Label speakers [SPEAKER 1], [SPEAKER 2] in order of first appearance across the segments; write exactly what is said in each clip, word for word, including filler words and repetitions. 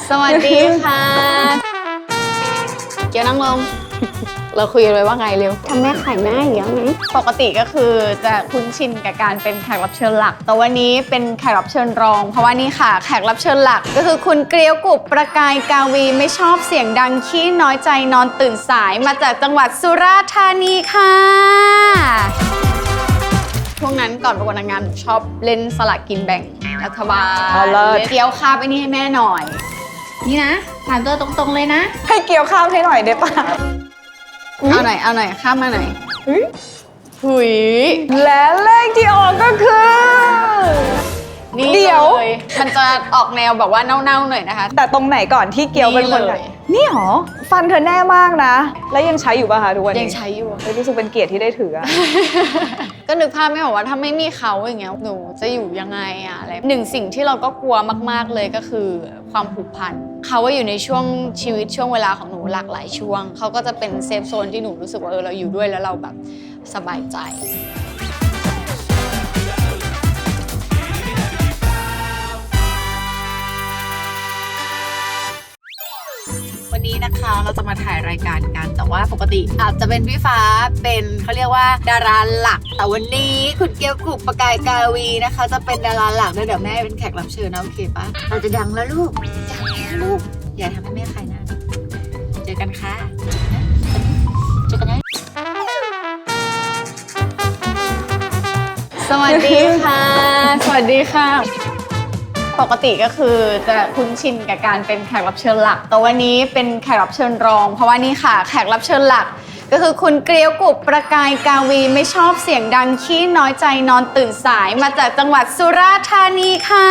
[SPEAKER 1] สวัสดีค่ะเกียวนั่งลงเราคุยกันไว้ว่าไงเร็วทำแม่ไข่หน้าอย่างเงี้ยไหมปกติก็คือจะคุ้นชินกับการเป็นแขกรับเชิญหลักแต่วันนี้เป็นแขกรับเชิญรองเพราะว่านี่ค่ะแขกรับเชิญหลักก็คือคุณเกลียวกุบประกายกาวีไม่ชอบเสียงดังขี้น้อยใจนอนตื่นสายมาจากจังหวัดสุราษฎร์ธานีค่ะช่วงนั้นก่อนประกวดนางงามชอบเล่นสลากกินแบ่งรัฐบาลเกี๊ยวข้าวไปนี่ให้แม่หน่อยนี่นะถามตัวตรงๆเลยนะ
[SPEAKER 2] ให้เกี๊ยวข้าวให้หน่อยได้ปะ
[SPEAKER 1] เอาหน่อยเอาหน่อยข้ามมาหน่อยหุย
[SPEAKER 2] และเลขที่ออกก็คือ
[SPEAKER 1] นี่เดี๋ยวมันจะออกแนวแบบว่าเน่าๆหน่อยนะคะ
[SPEAKER 2] แต่ตรงไหนก่อนที่เกี๊ยวเป็นคนเลยนี่หรอฟันเธอแน่มากนะแล้วยังใช้อยู่ป่ะคะทุกวันนี้
[SPEAKER 1] ยังใช้อยู่
[SPEAKER 2] รู้สึกเป็นเกียรติที่ได้ถือ
[SPEAKER 1] ก็นึกภาพไม่ออกว่าถ้าไม่มีเขาอย่างเงี้ยหนูจะอยู่ยังไงอะอะไรหนึ่งสิ่งที่เราก็กลัวมากๆเลยก็คือความผูกพันเขาว่าอยู่ในช่วงชีวิตช่วงเวลาของหนูหลากหลายช่วงเขาก็จะเป็นเซฟโซนที่หนูรู้สึกว่าเออเราอยู่ด้วยแล้วเราแบบสบายใจวันนี้นะคะเราจะมาถ่ายรายการกันแต่ว่าปกติอาจจะเป็นพี่ฟ้าเป็นเขาเรียกว่าดาราหลักแต่วันนี้คุณเกี๊ยวกุบประกายกาวีนะคะจะเป็นดาราหลักด้วยเดี๋ยวแม่เป็นแขกรับเชิญนะโอเคปะเราจะดังแล้วลูกดังแล้วลูกอย่าทำให้แม่ใครนะเจอกันค่ะเจอกันนะสวัสดีค่ะสวัสดีค่ะปกติก็คือจะคุ้นชินกับการเป็นแขกรับเชิญหลักแต่วันนี้เป็นแขกรับเชิญรองเพราะว่านี่ค่ะแขกรับเชิญหลักก็คือคุณเกลียวกุบประกายกาวีไม่ชอบเสียงดังขี้น้อยใจนอนตื่นสายมาจากจังหวัดสุราษฎร์ธานีค่ะ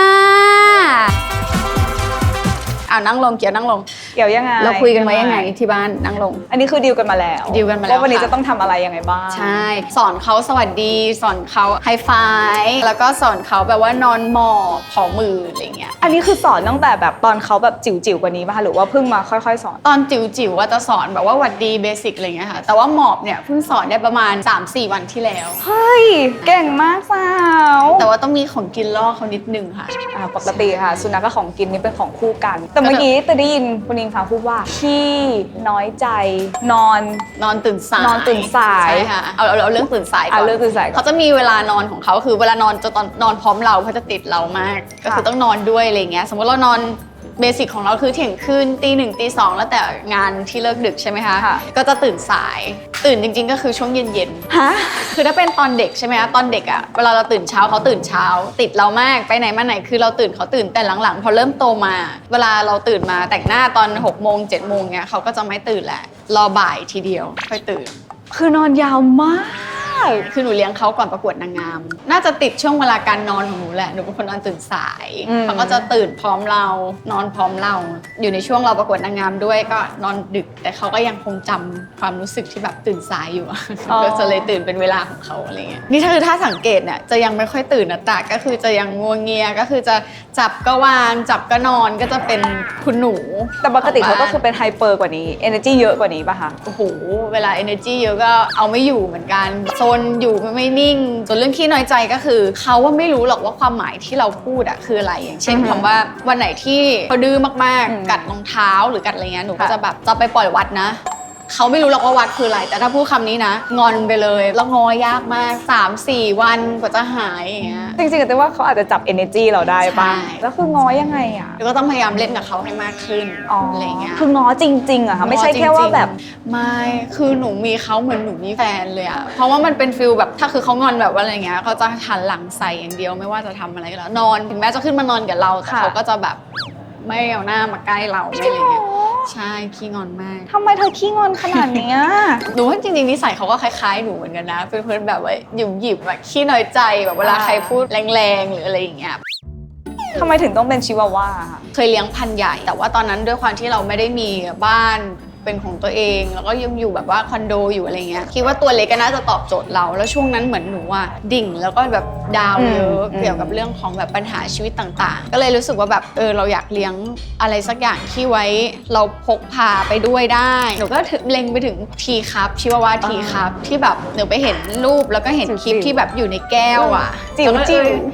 [SPEAKER 1] เอานั่งลงเกียวนั่งลง
[SPEAKER 2] เกี่ยวยังไง
[SPEAKER 1] เราคุยกันไว้ยังไงที่บ้านนั่งลง
[SPEAKER 2] อันนี้คือดีลกันมาแล้ว
[SPEAKER 1] ดีลกันมาแล้ว
[SPEAKER 2] ว่าวันนี้จะต้องทำอะไรยังไงบ้าง
[SPEAKER 1] ใช่สอนเขาสวัสดีสอนเขาไฮไฟว์แล้วก็สอนเขาแบบว่านอนหมอบขอมืออะไรเงี้ย
[SPEAKER 2] อันนี้คือสอนตั้งแต่แบบตอนเขาแบบจิ๋วๆกว่านี้ป่ะคะหรือว่าเพิ่งมาค่อยๆสอน
[SPEAKER 1] ตอนจิ๋วๆว่าจะสอนแบบว่าหวัดดีเบสิกอะไรเงี้ยค่ะแต่ว่าหมอบเนี่ยเพิ่งสอนได้ประมาณ สามสี่ วันที่แล้ว
[SPEAKER 2] เฮ้ยเก่งมากสาว
[SPEAKER 1] แต่ว่าต้องมีของกินล่อเขานิดนึงค่ะ
[SPEAKER 2] ปกติค่ะสุนัขกับของกินนี่เป็นของคู่กันแต่เมื่อกี้จะได้ยินคุณอิงฟ้าพูดว่าขี้น้อยใจนอน
[SPEAKER 1] นอนตื่นสาย
[SPEAKER 2] นอนตื่นสาย
[SPEAKER 1] ใช่ค่ะเอาเอาเรื่องตื่นสายก่อน
[SPEAKER 2] เรื่องตื่นสาย
[SPEAKER 1] เขาจะมีเวลานอนของเขาคือเวลานอนจะตอนนอนพร้อมเราเขาจะติดเรามากก็คือต้องนอนด้วยอะไรเงี้ยสมมติเรานอนเบสิกของเราคือเที่ยงคืนตีหนึ่งตีสองแล้วแต่งานที่เลิกดึกใช่ไหมคะก็จะตื่นสายตื่นจริงๆก็คือช่วงเย็นๆฮะคือถ้าเป็นตอนเด็กใช่ไหมคะตอนเด็กอะเวลาเราตื่นเช้าเขาตื่นเช้าติดเรามากไปไหนมาไหนคือเราตื่นเขาตื่นแต่หลังๆพอเริ่มโตมาเวลาเราตื่นมาแต่งหน้าตอนหกโมงเจ็ดโมงเนี้ยเขาก็จะไม่ตื่นแหละรอบ่ายทีเดียวค่อยตื่น
[SPEAKER 2] คือนอนยาวมาก
[SPEAKER 1] คือหนูเลี้ยงเขาก่อนประกวดนางงามน่าจะติดช่วงเวลาการนอนของหนูแหละหนูเป็นคนนอนตื่นสายเขาก็จะตื่นพร้อมเรานอนพร้อมเราอยู่ในช่วงเราประกวดนางงามด้วยก็นอนดึกแต่เขาก็ยังคงจำความรู้สึกที่แบบตื่นสายอยู่ก็จะเลยตื่นเป็นเวลาของเขาอะไรเงี้ยนี่ถ้าคือถ้าสังเกตเนี่ยจะยังไม่ค่อยตื่นนะแต่ก็คือจะยังงัวเงียก็คือจะจับก็วางจับก็นอนก็จะเป็นคุณหนู
[SPEAKER 2] แต่ปกติเขาก็คือเป็นไฮเปอร์กว่านี้ energy เยอะกว่านี้ป่ะคะ
[SPEAKER 1] โอ้โหเวลา energy เยอะก็เอาไม่อยู่เหมือนกันโซนอยู่ไม่นิ่งส่วนเรื่องขี้น้อยใจก็คือเขาว่าไม่รู้หรอกว่าความหมายที่เราพูดอะคืออะไรอย่างเช่นคำว่าวันไหนที่เขาดื้อมากๆกัดรองเท้าหรือกัดอะไรเงี้ยหนูก็จะแบบจะไปปล่อยวัดนะเขาไม่รู้หรอกว่าวัดคืออะไรแต่ถ้าพูดคำนี้นะงอนไปเลยแล้วงอยากมาก สามสี่ วันกว่าจะหายอย่างเงี้ย
[SPEAKER 2] จริงๆแต่ว่าเขาอาจจะจับ energy เราได้ป่ะแล้วคืองอยังไงอ่ะ
[SPEAKER 1] ก็ต้องพยายามเล่นกับเขาให้มากขึ้นอะไรเงี้ย
[SPEAKER 2] คืองอจริงๆอะค่ะไม่ใช่แค่ว่าแบบ
[SPEAKER 1] ไม่คือหนูมีเขาเหมือนหนูมีแฟนเลยอะเพราะว่ามันเป็นฟิลแบบถ้าคือเขางอนแบบว่าอะไรเงี้ยเขาจะหันหลังใส่อย่างเดียวไม่ว่าจะทำอะไรก็แล้วนอนถึงแม้จะขึ้นมานอนกับเราแต่เขาก็จะแบบไม่เอาหน้ามาใกล้เราไม่อะไรเงี้ยใช่ขี้งอนมาก
[SPEAKER 2] ทำไมเธอขี้งอนขนาดนี้
[SPEAKER 1] หนูว่าจริงๆนิสัยเขาก็คล้ายๆหนูเหมือนกันนะเป็นเพื่อนแบบว่าหยิบหยิบแบบขี้น้อยใจแบบเวลาใครพูดแรงๆหรืออะไรอย่างเงี้ย
[SPEAKER 2] ทำไมถึงต้องเป็นชิวาว่า
[SPEAKER 1] เคยเลี้ยงพันธุ์ใหญ่แต่ว่าตอนนั้นด้วยความที่เราไม่ได้มีบ้านเป็นของตัวเองแล้วก็ยังอยู่แบบว่าคอนโดอยู่อะไรเงี้ยคิดว่าตัวเล็กก็น่าจะตอบโจทย์เราแล้วช่วงนั้นเหมือนหนูอ่ะดิ่งแล้วก็แบบดาวเยอะเกี่ยวกับเรื่องของแบบปัญหาชีวิตต่างๆก็เลยรู้สึกว่าแบบเออเราอยากเลี้ยงอะไรสักอย่างที่ไว้เราพกพาไปด้วยได้หนูก็เล็งไปถึงทีครับชิวาว่าทีครับที่แบบหนูไปเห็นรูปแล้วก็เห็นคลิปที่แบบอยู่ในแก้วอ่ะ
[SPEAKER 2] จิ๋วจิ๋ว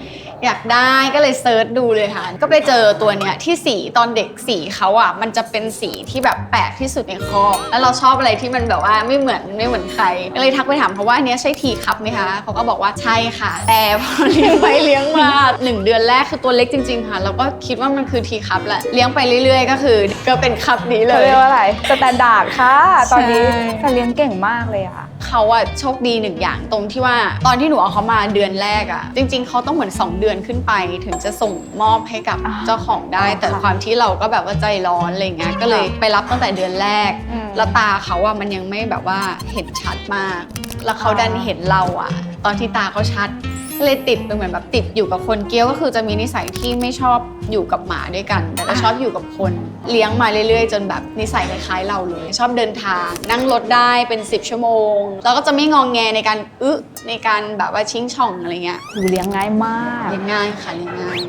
[SPEAKER 1] อยากได้ก็เลยเซิร์ชดูเลยค่ะก็ไปเจอตัวเนี้ยที่สีตอนเด็กสีเขาอ่ะมันจะเป็นสีที่แบบแปลกที่สุดในคอกแล้วเราชอบอะไรที่มันแบบว่าไม่เหมือนไม่เหมือนใครก็เลยทักไปถามเขาว่าอันเนี้ยใช่ทีคัพไหมคะเขาก็บอกว่าใช่ค่ะแต่พอเลี้ยงไปเลี้ยงมาหนึ่งเดือนแรกคือตัวเล็กจริงๆค่ะเราก็คิดว่ามันคือทีคัพแหละเลี้ยงไปเรื่อยๆก็คือก็เป็นคัพนี้เล
[SPEAKER 2] เขา
[SPEAKER 1] ย
[SPEAKER 2] เรียกว่าอะไรสแตนดาร์ดค่ะ ตอนนี้
[SPEAKER 1] ใช่
[SPEAKER 2] แต่เลี้ยงเก่งมากเลยอะ
[SPEAKER 1] เขาอะโชคดีหนึ่งอย่างตรงที่ว่าตอนที่หนูเอาเขามาเดือนแรกอะจริงๆเขาต้องเหมือนสองเดือนขึ้นไปถึงจะส่งมอบให้กับเจ้าของได้ แต่ความที่เราก็แบบว่าใจร้อนอะไรเงี้ยก็เลยไปรับตั้งแต่เดือนแรกแล้วตาเขาอะมันยังไม่แบบว่าเห็นชัดมาก แล้วเขาดันเห็นเราอะตอนที่ตาเขาชัดก็เลยติดเป็นเหมือนแบบติดอยู่กับคนเกี้ยวก็คือจะมีนิสัยที่ไม่ชอบอยู่กับหมาด้วยกัน แต่ก็ชอบอยู่กับคนเลี้ยงมาเรื่อยๆ จนแบบนิสัยคล้ายๆเราเลย ชอบเดินทางนั่งรถได้เป็นสิบชั่วโมงแล้วก็จะไม่งองแงในการอึะในการแบบว่าชิงช่องอะไรเงี้ย
[SPEAKER 2] หนูเลี้ยงง่ายมาก
[SPEAKER 1] เลี้ยงง่ายค่ะเลี้ยงง่าย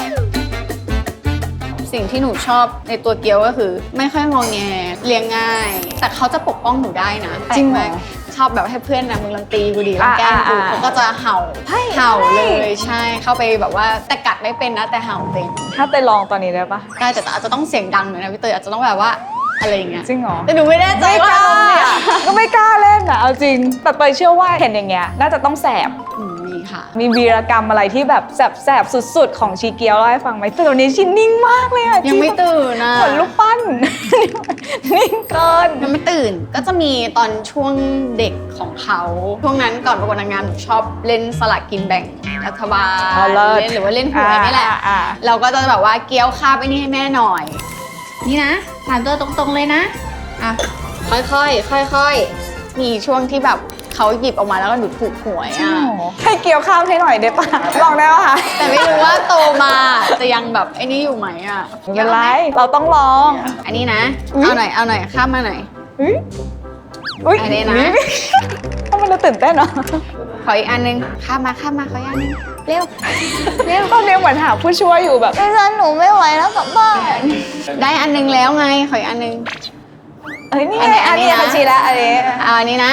[SPEAKER 1] สิ่งที่หนูชอบในตัวเกียวก็คือ ไม่ค่อยงองแงเลี้ยงง่าย แต่เขาจะปกป้องหนูได้นะ
[SPEAKER 2] จริงเหรอ
[SPEAKER 1] แปลกมากชอบแบบให้เพื่อนนะมึงลังตีกูดีลังแกล้งกู
[SPEAKER 2] อ่าอ่า
[SPEAKER 1] เขาก็จะเห่า
[SPEAKER 2] เฮ้ย
[SPEAKER 1] เห่า
[SPEAKER 2] เฮ้
[SPEAKER 1] เลย ยใช่เข้าไปแบบว่าแต่กัดไม่เป็นนะแต่เห่าเป็น
[SPEAKER 2] ถ้าเตยลองตอนนี้ได้ปะ
[SPEAKER 1] ได้แต่อาจจะต้องเสียงดังหน่อยนะพี่เตยอาจจะต้องแบบว่าอะไรอย่างเงี้ย
[SPEAKER 2] จริงเหรอ
[SPEAKER 1] แต่หนูไม่แน่ใจ
[SPEAKER 2] ไม่
[SPEAKER 1] ว่าก
[SPEAKER 2] ล้า
[SPEAKER 1] อารมณ์เนี่ย
[SPEAKER 2] ก็ไม่กล้าเล่นอะเอาจริง แต่เตยเชื่อว่าเห็นอย่างเงี้ยน่าจะต้องแสบ
[SPEAKER 1] อืมมีค่ะ
[SPEAKER 2] มีวีรกรรมอะไรที่แบบแสบแสบสุดๆ ของชีเกียวเล่าให้ฟังไหมแต่ตอนนี้ชินนิ่งมากเลยอะ
[SPEAKER 1] ยังไม่ตื่นนะ
[SPEAKER 2] เหมือนลูกปั้น นิ่งเกิน
[SPEAKER 1] ยังไม่ตื่นก็จะมีตอนช่วงเด็กของเขาช่วงนั้นก่อนประกวดนางงามหนูชอบเล่นสลากกินแบ่งรัฐบาล
[SPEAKER 2] อ๋อเลิศ
[SPEAKER 1] เล่นหรือว่าเล่นหวยนี่แหละ
[SPEAKER 2] อ่าอ่า
[SPEAKER 1] เราก็จะแบบว่าเกี้ยวคาบไอ้นี่ให้แม่หน่อย นี่นะถามตัวตรงๆเลยนะอ่ะค่อยๆค่อยๆมีช่วงที่แบบเขาหยิบออกมาแล้วก็หนูถูกหวย
[SPEAKER 2] จริง
[SPEAKER 1] อ่ะ
[SPEAKER 2] เหรอให้เกี่ยวข้าวให้หน่อยได้ปะลองได้ปะคะ
[SPEAKER 1] แต่ไม่รู้ว่าโตมาจะยังแบบไอ้นี่อยู่ไหมอ่ะ
[SPEAKER 2] ไม่เป็นไรเราต้องลอง
[SPEAKER 1] อันนี้นะ
[SPEAKER 2] อุ๊ย
[SPEAKER 1] เอาหน่อยเอาหน่อยข้ามมาหน่อย
[SPEAKER 2] อุ๊ยอุ๊ย
[SPEAKER 1] อันนี้นะ
[SPEAKER 2] ทำไมเราตื่นเต้นเนาะ
[SPEAKER 1] ขออีกอันนึงข้ามมาข้ามมาขออีกอันนึงเร็วเร็ว
[SPEAKER 2] ตอนนี้เหมือนหาผู้ช่วยอยู่แบบ
[SPEAKER 1] ดิฉันหนูไม่ไหวแล้วกลับบ้านได้อันนึงแล้วไงขออีกอันนึง
[SPEAKER 2] เอ้ยนี่
[SPEAKER 1] อัน
[SPEAKER 2] ไง
[SPEAKER 1] นี้อั
[SPEAKER 2] อั
[SPEAKER 1] น
[SPEAKER 2] น
[SPEAKER 1] นี้
[SPEAKER 2] นี้
[SPEAKER 1] นะ
[SPEAKER 2] บัญชีแล้วอันนี้
[SPEAKER 1] เอาอันนี้นะ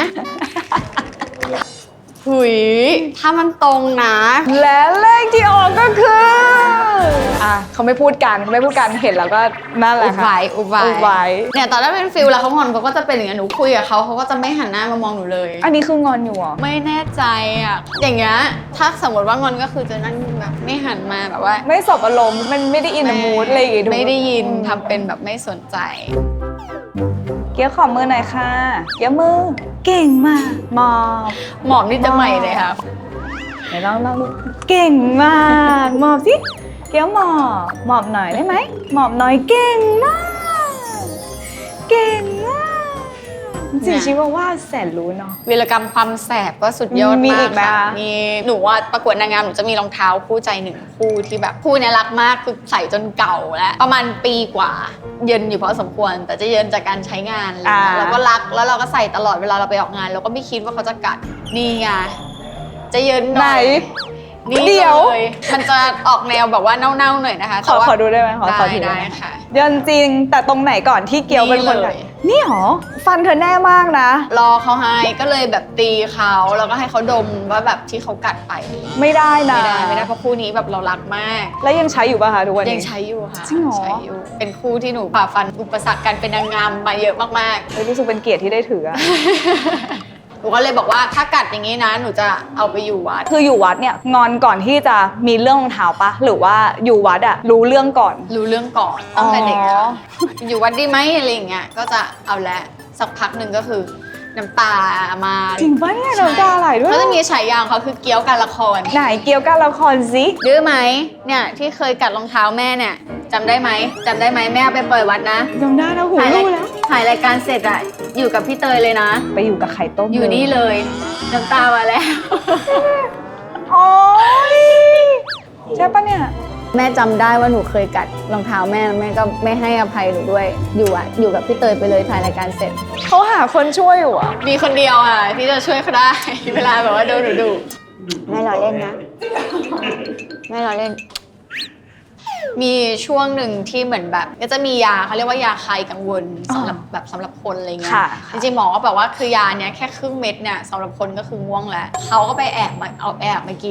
[SPEAKER 1] หุยถ้ามันตรงนะ
[SPEAKER 2] และเลขที่ออกก็คืออ่ะเขาไม่พูดกันเขาไม่พูดกันเห็นแล้วก็นั่นแห
[SPEAKER 1] อุ
[SPEAKER 2] ละ
[SPEAKER 1] บไว้
[SPEAKER 2] ค่ะ
[SPEAKER 1] อุบไว้
[SPEAKER 2] อุบไว้
[SPEAKER 1] เนี่ยตอนแรกเป็นฟิลแล้วเขางอนเขาก็จะเป็นอย่างนี้นหนูคุยกับเขาเขาก็จะไม่หันหน้ามามองหนูเลย
[SPEAKER 2] อันนี้คืองอนอยู่เหรอ
[SPEAKER 1] ไม่แน่ใจอ่ะอย่างเงี้ยถ้าสมมติว่างอนก็คือจะนั่งแบบไม่หันมาแบบว่า
[SPEAKER 2] ไม่สบอารมณ์มันไม่ได้อินมูดอะไรอย่างงี้ถูกห
[SPEAKER 1] ไม่ได้ยินทำเป็นแบบไม่สนใจ
[SPEAKER 2] เกี้ยวขอมือหน่อยค่ะเกี้ยวมือเก่งมากมอบ
[SPEAKER 1] หมอมนี่จะใหม่เลยค่ะ
[SPEAKER 2] ไหนลองลองดูเก่งมากหมอบสิเกี้ยวหมอบหมอบหน่อยได้ไหมหมอบหน่อยเก่งมากเก่งมากจริงๆชิว่าว่าแสนรู้เนาะ
[SPEAKER 1] วีรกรรมความแสบก็สุดยอด
[SPEAKER 2] มี
[SPEAKER 1] มา
[SPEAKER 2] อี
[SPEAKER 1] ก
[SPEAKER 2] กไหม
[SPEAKER 1] ค่ะ
[SPEAKER 2] คะ
[SPEAKER 1] มีหนูว่าประกวดนางงามหนูจะมีรองเท้าคู่ใจหนึ่งคู่ที่แบบคู่เนี้ยรักมากคือใส่จนเก่าแล้วประมาณปีกว่า เยินอยู่พอสมควร แต่จะเยินจากการใช้งานอะไรเงี้ยแล้วก็รักแล้วเราก็ใส่ตลอดเวลาเราไปออกงานเราก็ไม่คิดว่าเขาจะกัดนี่ไงจะเยินห
[SPEAKER 2] ไหน
[SPEAKER 1] น่อยนี่
[SPEAKER 2] เดี๋ยว
[SPEAKER 1] เลยมันจะออกแนวแบบว่าเน่าๆหน่อยนะคะ
[SPEAKER 2] ขอ
[SPEAKER 1] แต่ว่า
[SPEAKER 2] ขอดูได้ไหมขอขอ
[SPEAKER 1] ได้
[SPEAKER 2] ดู
[SPEAKER 1] ได้
[SPEAKER 2] ไหม
[SPEAKER 1] ค่ะ
[SPEAKER 2] เดินจริงแต่ตรงไหนก่อนที่เกียวเป็นคน
[SPEAKER 1] นี่เลย
[SPEAKER 2] กัดนี่หรอฟันเธอแน่มากนะ
[SPEAKER 1] รอเขาให้ก็เลยแบบตีเขาแล้วก็ให้เขาดมว่าแบบที่เขากัดไป
[SPEAKER 2] ไม่ได้นะ
[SPEAKER 1] ไม่ได้ไม่ได้เพราะคู่นี้แบบเรารักมาก
[SPEAKER 2] แล้วยังใช้อยู่ป่ะคะทุกวันนี้
[SPEAKER 1] ยังใช้อยู่ค่ะ
[SPEAKER 2] จริงเหรอ
[SPEAKER 1] ใช้อยู่เป็นคู่ที่หนูฝ่าฟันอุปสรรคการเป็นนางงามมาเยอะมาก
[SPEAKER 2] เฮ้ยรู้สึกเป็นเกียรติที่ได้ถืออะ
[SPEAKER 1] ๆ หนูก็เลยบอกว่าถ้ากัดอย่างนี้นะหนูจะเอาไปอยู่วัด
[SPEAKER 2] คืออยู่วัดเนี่ยงอนก่อนที่จะมีเรื่องรองเท้าปะหรือว่าอยู่วัดอะรู้เรื่องก่อน
[SPEAKER 1] รู้เรื่องก่อนตั้งแต่เด็ก
[SPEAKER 2] อ๋
[SPEAKER 1] ค่ะ
[SPEAKER 2] อ
[SPEAKER 1] อยู่วัดดีไหมอะไรอย่างเงี้ยก็จะเอาละสักพักหนึ่งก็คือน้ำตามา
[SPEAKER 2] จริงปะเนี่ยน้ำตาไหลด้วย
[SPEAKER 1] เขาจะมีฉายาของเขาคือเกี้ยวการละคร
[SPEAKER 2] ไหนเกี่ยวกับละครสิ
[SPEAKER 1] ดื้อไหมเนี่ยที่เคยกัดรองเท้าแม่เนี่ยจำได้ไหมจำได้ไหมแม่เอาไปปล่อยวัดนะ
[SPEAKER 2] จำได้นะหู
[SPEAKER 1] ถ่ายราย
[SPEAKER 2] รู้แล้ว
[SPEAKER 1] ถ่ายรายการเสร็จอะอยู่กับพี่เตยเลยนะ
[SPEAKER 2] ไปอยู่กับไข่ต้ม
[SPEAKER 1] อยู่นี่เลยน้ำตามาแล้ว
[SPEAKER 2] โอ้ยใช่ปะเนี่ย
[SPEAKER 1] แม่จำได้ว่าหนูเคยกัดรองเท้าแม่แม่ก็ไม่ให้อภัยหนูด้วยอยู่อะอยู่กับพี่เตยไปเลยถ่ายรายการเสร็จ
[SPEAKER 2] เขาหาคนช่วยอยู่อะ
[SPEAKER 1] มีคนเดียวอะที่จะช่วยเขาได้ เวลาแบบว่าโดนหนูดุแม่รอเล่นนะแม่รอเล่น มีช่วงหนึ่งที่เหมือนแบบก็จะมียาเขาเรียกว่ายาคลายกังวลสำหรับแบบสำหรับคนอะไรเงี้ย
[SPEAKER 2] ค่ะ
[SPEAKER 1] จริงๆหมอก็แบบว่าคือยาเนี้ยแค่ครึ่งเม็ดเนี่ยสำหรับคนก็คือง่วงแล้วเขาก็ไปแอบมาเอาแอบมากิน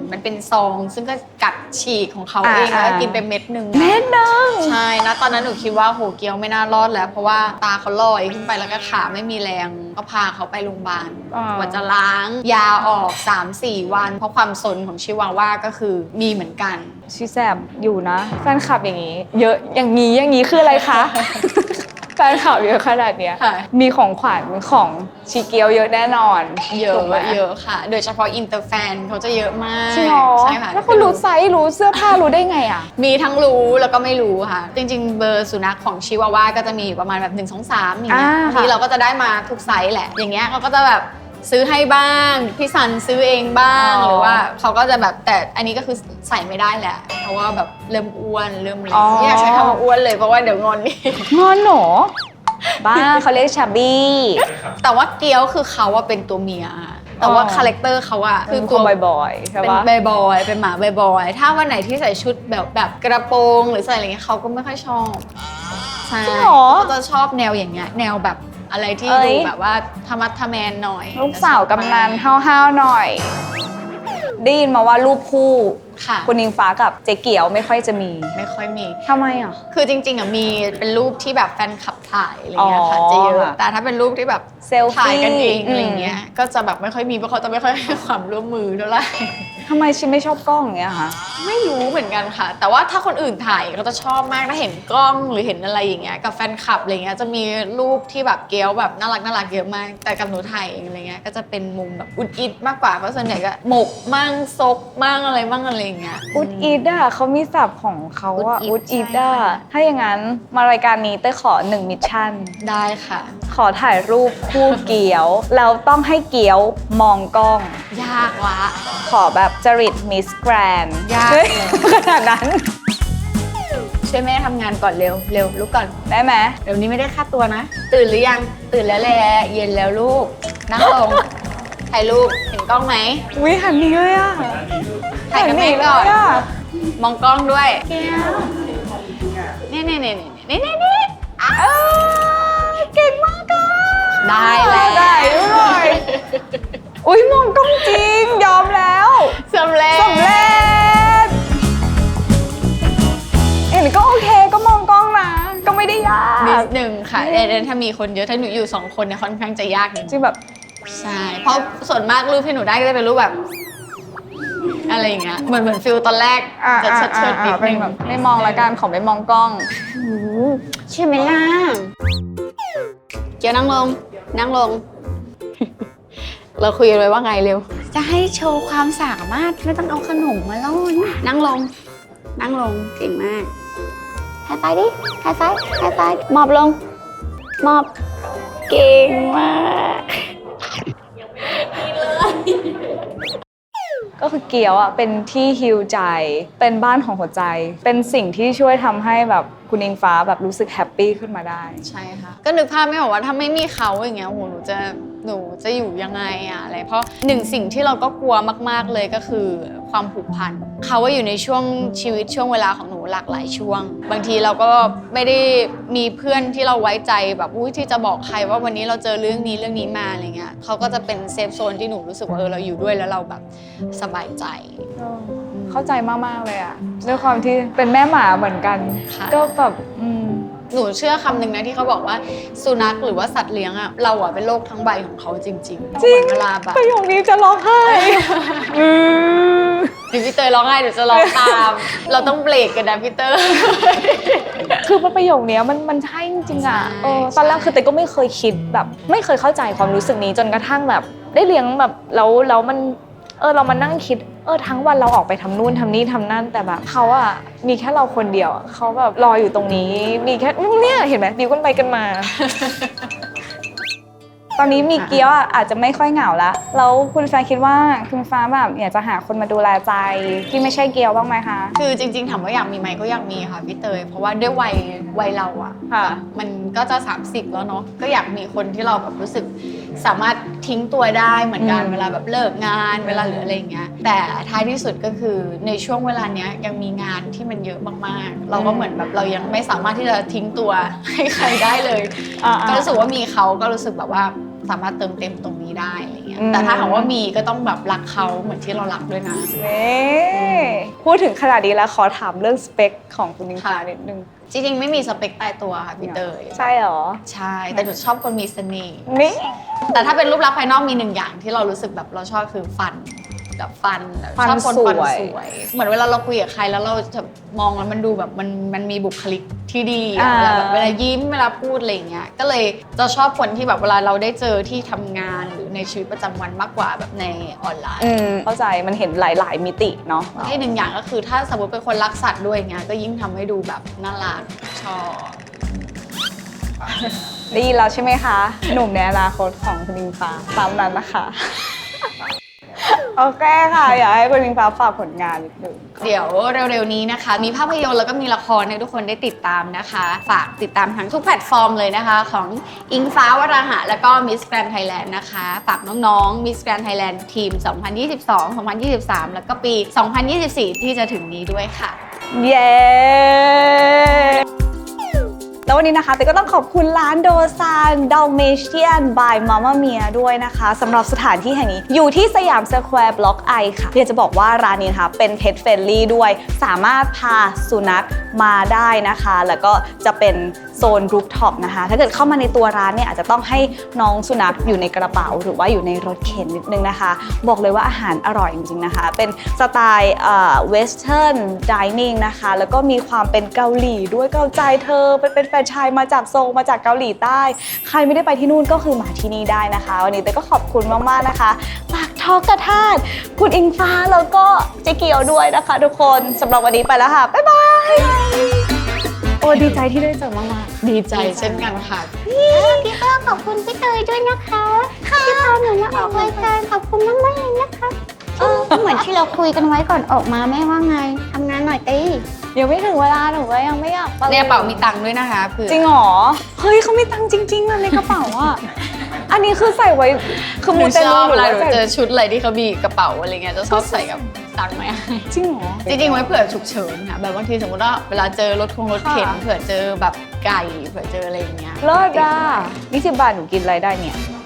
[SPEAKER 1] มันเป็นซองซึ่งก็กัดฉีกของเขาเองแล้วก็กินไปเม็ดหนึ่ง
[SPEAKER 2] เม็ดหนึ่ง
[SPEAKER 1] ใช่นะตอนนั้นหนูคิดว่าโหเกียวไม่น่ารอดแล้วเพราะว่าตาเขาลอยขึ้นไปแล้วก็ขาไม่มีแรงก็พาเขาไปโรงพยาบาลกว่าจะล้างยาออก สามสี่ วันเพราะความสนของชิวาว่าก็คือมีเหมือนกัน
[SPEAKER 2] ชีแสบอยู่นะแฟนคลับอย่างนี้เยอะอย่างนี้อย่างนี้คืออะไรคะ แฟนคลับเยอะขนาดเนี้ยมีของขวัญของชีเกียวเยอะแน่นอน
[SPEAKER 1] เยอะเยอะค่ะโดยเฉพาะอินเตอร์แฟนเขาจะเยอะมาก
[SPEAKER 2] ใช่ค่ะแล้วเขารู้ไซส์รู้เสื้อผ้ารู้ได้ไงอ่ะ
[SPEAKER 1] มีทั้งรู้แล้วก็ไม่รู้ค่ะจริงๆเบอร์สุนัขของชิวาว่าก็จะมีประมาณแบบหนึ่ง สอง สามอย่างเงี้ยที่เราก็จะได้มาทุกไซส์แหละอย่างเงี้ยเขาก็จะแบบซื้อให้บ้างพี่ซันซื้อเองบ้างหรือว่าเขาก็จะแบบแต่อันนี้ก็คือใส่ไม่ได้แหละเพราะว่าแบบเริ่มอ้วนเริ่มอะไรไม่อยากใช้คำว่าอ้วนเลยเพราะว่าเดี๋ยวงอนนี่
[SPEAKER 2] งอนหนอบ้าเขาเรียกชาบี้
[SPEAKER 1] แต่ว่าเกี๊ยวคือเขาว่าเป็นตัวเมียแต่ว่าคาแรคเตอร์เขาอะ
[SPEAKER 2] คือตัวบ่อยๆใช่ปะ
[SPEAKER 1] เป็นบ่อยๆเป็นหมาบ่อยๆถ้าวันไหนที่ใส่ชุดแบบแบบกระโปรงหรือใส่อะไรเงี้ยเขาก็ไม่ค่อยชอบใช่เขาจะชอบแนวอย่างเงี้ยแนวแบบอะไรที่ดูแบบว่าธรรมะทะแมนหน่อย
[SPEAKER 2] ลูกสาวกำนันห้าวๆหน่อยได้ยินมาว่ารูปคู่คุณอิงฟ้ากับเจ๊เกียวไม่ค่อยจะมี
[SPEAKER 1] ไม่ค่อยมี
[SPEAKER 2] ทำไมอ่ะ
[SPEAKER 1] คือจริงๆอ่ะมีเป็นรูปที่แบบแฟนคลับถ่ายอะไรเงี้ยค่ะจะเยอะแต่ถ้าเป็นรูปที่แบบ
[SPEAKER 2] เซลฟี่
[SPEAKER 1] ถ่ายกันเองอะไรเงี้ยก็จะแบบไม่ค่อยมีเพราะเขาจะไม่ค่อยให้ความร่วมมือเท่าไหร่
[SPEAKER 2] ทำไมชิไม่ชอบกล้องอย่างเงี้ยคะ
[SPEAKER 1] ไม่รู้เหมือนกันค่ะแต่ว่าถ้าคนอื่นถ่ายก็จะชอบมากถ้าเห็นกล้องหรือเห็นอะไรอย่างเงี้ยกับแฟนคลับอะไรเงี้ยจะมีรูปที่แบบเกี๊ยวแบบน่ารักน่ารักเยอะมากแต่กับหนูถ่ายเองอะไรเงี้ยก็จะเป็นมุมแบบอุดอิดมากกว่าเพราะส่วนใหญ่ก็หมกมั่งซกมั่งอะไรมั่งอะไรเงี้ย
[SPEAKER 2] อุดอิดอะเขามีศัพท์ของเขาอะอุดอิดอะถ้าอย่างนั้นมารายการนี้เต้ขอหนึ่งมิชชั่น
[SPEAKER 1] ได้ค่ะ
[SPEAKER 2] ขอถ่ายรูปคู่เกี๊ยวแล้วต้องให้เกี๊ยวมองกล้อง
[SPEAKER 1] ยากละ
[SPEAKER 2] ขอแบบจริตมิสแกรนด์
[SPEAKER 1] ยาก
[SPEAKER 2] ขนาดนั้น
[SPEAKER 1] ช่วยแม่ทำงานก่อนเร็วเร็วลุกก่อน
[SPEAKER 2] ได้ไหม
[SPEAKER 1] เดี๋ยวนี้ไม่ได้ค่าตัวนะตื่นหรือยังตื่นแล้วแหละเย็นแล้วลูกนั่งลงถ่ายรูปเห็นกล้องไหม
[SPEAKER 2] วิหันหนีเลยอะ
[SPEAKER 1] ถ่ายกับแม่ก่อนมองกล้องด้วยนี่นี่นี่นี่นี่นี่
[SPEAKER 2] เก่งมากอะ
[SPEAKER 1] ได้แล้ว
[SPEAKER 2] ได้ด้วยอุ้ยมองกล้องจริงยอมแล้ว
[SPEAKER 1] สำเร็จ
[SPEAKER 2] สำเร็จเห็นก็โอเคก็มองกล้องนะก็ไม่ได้ยาก
[SPEAKER 1] นิดนึงค่ะแต่ถ้ามีคนเยอะถ้าหนูอยู่สองคนเนี่ยค่อนข้างจะยากจริ
[SPEAKER 2] งแบบ
[SPEAKER 1] ใช่เพราะส่วนมากรูปที่หนูได้ก็จะเป็นรูปแบบอะไรอย่างเงี้ยเหมือนเหมือนฟิลตอนแรกจะเชิดเชิดนิดนึงแบบ
[SPEAKER 2] ไม่มองละกันขอไม่มองกล้อง
[SPEAKER 1] ใช่ไหมล่ะเกียวนั่งลงนั่งลงเราคุยกันไว้ว่าไงเร็วจะให้โชว์ความสามารถไม่ต้องเอาขนมมาล่อนั่งลงนั่งลงเก่งมากไฮไฟดิไฮไฟไฮไฟมอบลงมอบเก่งมาก
[SPEAKER 2] ก็คือเกี๊ยวอ่ะเป็นที่ฮีลใจเป็นบ้านของหัวใจเป็นสิ่งที่ช่วยทำให้แบบคุณอิงฟ้าแบบรู้สึกแฮปปี้ขึ้นมาได้
[SPEAKER 1] ใช่ค่ะก็นึกภาพไม่ออกว่าถ้าไม่มีเขาอย่างเงี้ยโหหนูจะหนูจะอยู่ยังไงอะอะไรเพราะหนึ่งสิ่งที่เราก็กลัวมากๆเลยก็คือความผูกพันเขาว่าอยู่ในช่วงชีวิตช่วงเวลาของหนูหลากหลายช่วงบางทีเราก็ไม่ได้มีเพื่อนที่เราไว้ใจแบบอุ้ยที่จะบอกใครว่าวันนี้เราเจอเรื่องนี้เรื่องนี้มาอะไรเงี้ยเขาก็จะเป็นเซฟโซนที่หนูรู้สึกว่าเออเราอยู่ด้วยแล้วเราแบบสบายใจ
[SPEAKER 2] เข้าใจมากๆเลยอะด้วยความที่เป็นแม่หมาเหมือนกันก็แบบ
[SPEAKER 1] หนูเชื่อคำหนึ่งนะที่เขาบอกว่าสุนัขหรือว่าสัตว์เลี้ยงอะเราอะเป็นโลกทั้งใบของเขาจริงๆจริง
[SPEAKER 2] เ
[SPEAKER 1] วลาแบบ
[SPEAKER 2] ประโยคนี้จะร้องไห้
[SPEAKER 1] เดี๋ยวพี่เตยร้องไห้เดี๋ยวจะร้องตามเราต้องเบรกกันนะพี่เตย
[SPEAKER 2] คือประโยคนี้มันมันใช่จริงๆอะตอนแรกคือเตยก็ไม่เคยคิดแบบไม่เคยเข้าใจความรู้สึกนี้จนกระทั่งแบบได้เลี้ยงแบบแล้วแล้วมันเออเรามานั่งคิดเออทั้งวันเราออกไปทำนู่นทำนี่ทำนั่นแต่แบบเขาอะมีแค่เราคนเดียวเขาแบบรออยู่ตรงนี้มีแค่เนี่ยเห็นไหมดิวกันไปกันมา ตอนนี้มีเกี๊ยวอาจจะไม่ค่อยเหงาละแล้วคุณฟ้าคิดว่าคุณฟ้าแบบอยากจะหาคนมาดูแลใจที่ไม่ใช่เกี๊ยวบ้างไหมคะ
[SPEAKER 1] คือจริงๆถามว่าอยากมีไหมก็อยากมีค่ะพี่เตยเพราะว่าด้วยวัยวัยเราอะมันก็จะสามสิบแล้วเนาะก็อยากมีคนที่เราแบบรู้สึกสามารถทิ้งตัวได้เหมือนกันเวลาแบบเลิกงานเวลาเหลืออะไรอย่างเงี้ยแต่ท้ายที่สุดก็คือในช่วงเวลาเนี้ยยังมีงานที่มันเยอะมากๆเราก็เหมือนแบบเรายังไม่สามารถที่จะทิ้งตัวให้ใครได้เลยก็รู้สึกว่ามีเขาก็รู้สึกแบบว่าสามารถเติมเต็มตรงนี้ได้อะไรเงี้ย
[SPEAKER 2] อืม
[SPEAKER 1] แต่ถ้าถามว่ามีก็ต้องแบบรักเขาเหมือนที่เรารักด้วยนะ
[SPEAKER 2] นี่พูดถึงขนาดนี้แล้วขอถามเรื่องสเปคของคุณนิงฟ้า
[SPEAKER 1] ค่ะ
[SPEAKER 2] นิดนึง
[SPEAKER 1] จริงๆไม่มีสเปคตายตัวค่ะพี่เตย
[SPEAKER 2] ใช่เหรอ
[SPEAKER 1] ใช่แต่หนูชอบคนมีเสน่ห์
[SPEAKER 2] นี่
[SPEAKER 1] แต่ถ้าเป็นรูปลักษณ์ภายนอกมีหนึ่งอย่างที่เรารู้สึกแบบเราชอบคือฟันแบบฟันแบบ
[SPEAKER 2] ฟัน
[SPEAKER 1] ชอบคน
[SPEAKER 2] สวย
[SPEAKER 1] ฟันสวย เหมือนเวลาเราคุยกับใครแล้วเราจะมองแล้วมันดูแบบมันมันมีบุคลิกที่ดีอะเวลาแบบเวลายิ้มเวลาพูดอะไรอย่างเงี้ยก็เลยจะชอบคนที่แบบเวลาเราได้เจอที่ทำงานหรือในชีวิตประจำวันมากกว่าแบบในออนไลน์
[SPEAKER 2] อืมเข้าใจมันเห็นหลาย ๆ มิติเนาะ
[SPEAKER 1] อีกหนึ่งอย่างก็คือถ้าสมมติเป็นคนรักสัตว์ด้วยอย่างเงี้ยก็ยิ่งทำให้ดูแบบน่ารักชอบ
[SPEAKER 2] ได้ยินแล้วใช่ไหมคะ หนุ่มในอนาคตของคุณนิงฟ้าตามนั้นนะคะ โอเคค่ะ อยากให้คุณนิงฟ้าฝากผลงานนิดนึง
[SPEAKER 1] เดี๋ยวเร็วๆนี้นะคะ มีภาพยนตร์แล้วก็มีละครให้ทุกคนได้ติดตามนะคะ ฝากติดตามทั้งทุกแพลตฟอร์มเลยนะคะ ของอิงฟ้าวราหะแล้วก็ Miss Grand Thailand นะคะ ฝากน้องๆ Miss Grand Thailand ทีม สองพันยี่สิบสอง สองพันยี่สิบสาม แล้วก็ปี สองพันยี่สิบสี่ ที่จะถึงนี้ด้วยค่ะ
[SPEAKER 2] เย้ แล้ววันนี้นะคะแต่ก็ต้องขอบคุณร้านโดซานดัลเมเชียนบายมาม่าเมียด้วยนะคะสำหรับสถานที่แห่งนี้อยู่ที่สยามสแควร์บล็อกไอค่ะอยากจะบอกว่าร้านนี้นะคะเป็นเพ t เฟรนลี่ด้วยสามารถพาสุนัขมาได้นะคะ แล้วก็จะเป็นโซนรูฟท็อปนะคะถ้าเกิดเข้ามาในตัวร้านเนี่ยอาจจะต้องให้น้องสุนัขอยู่ในกระเป๋าหรือว่าอยู่ในรถเข็นนิดนึงนะคะ บอกเลยว่าอาหารอร่อยจริงๆนะคะ เป็นสไตล์เวสเทิร์นดิเนิ่งนะคะแล้วก็มีความเป็นเกาหลีด้วยเกาใจเธอเป็นเป็นแฟรนไชส์มาจากโซลมาจากเกาหลีใต้ ใครไม่ได้ไปที่นู่นก็คือมาที่นี่ได้นะคะ วันนี้เต้ก็ขอบคุณมากๆนะคะฝากทอกกระทาดคุณอิงฟ้าแล้วก็เจ๊เกียวด้วยนะคะทุกคนสำหรับวันนี้ไปแล้วค่ะบ๊ายบายโอ้ดีใจที่ได้เจอมากๆ
[SPEAKER 1] ดีใจเช่นกันค่ะ
[SPEAKER 3] พี่ก็ขอบคุณพี่เตยด้วยนะคะที่พาหนูมาออกรายการขอบคุณมากๆเลยนะคะเออเหมือนที่เราคุยกันไว้ก่อนออกมาแม่ว่าไงทำงานหน่อยตี
[SPEAKER 2] ยังไม่ถึงเวลาหนูก็ยังไม่อยากไป
[SPEAKER 1] ในกระเป๋ามีตังค์ด้วยนะคะเผื่อ
[SPEAKER 2] จริงเหรอเฮ้ยเขามีตังค์จริงๆอะในกระเป๋าอะอันนี้คือใส่ไว้คือ
[SPEAKER 1] ห
[SPEAKER 2] มู
[SPEAKER 1] นู
[SPEAKER 2] เต
[SPEAKER 1] ช
[SPEAKER 2] ลู
[SPEAKER 1] อบ
[SPEAKER 2] ห
[SPEAKER 1] เว
[SPEAKER 2] รือ
[SPEAKER 1] ลา
[SPEAKER 2] ว่า
[SPEAKER 1] หนู
[SPEAKER 2] ใส่
[SPEAKER 1] เจอชุดอะไรที่เขามีกระเป๋าอะไรเงี้ยจะชอบใส่กับตังค์ไหม
[SPEAKER 2] จริงเหรอ
[SPEAKER 1] จริงๆไว้เผื่อฉุกเฉินค่ะแบบบางทีสมมติว่าเวลาเจอรถคงรถเข็น
[SPEAKER 2] ค่ะ
[SPEAKER 1] เผื่อเจอแบบไก่เผื่อเจออะไรอย่างเงี้ย
[SPEAKER 2] เลิศอ่ะยี่สิบบาทหนูกินอะไรได้เนี่ย
[SPEAKER 1] อ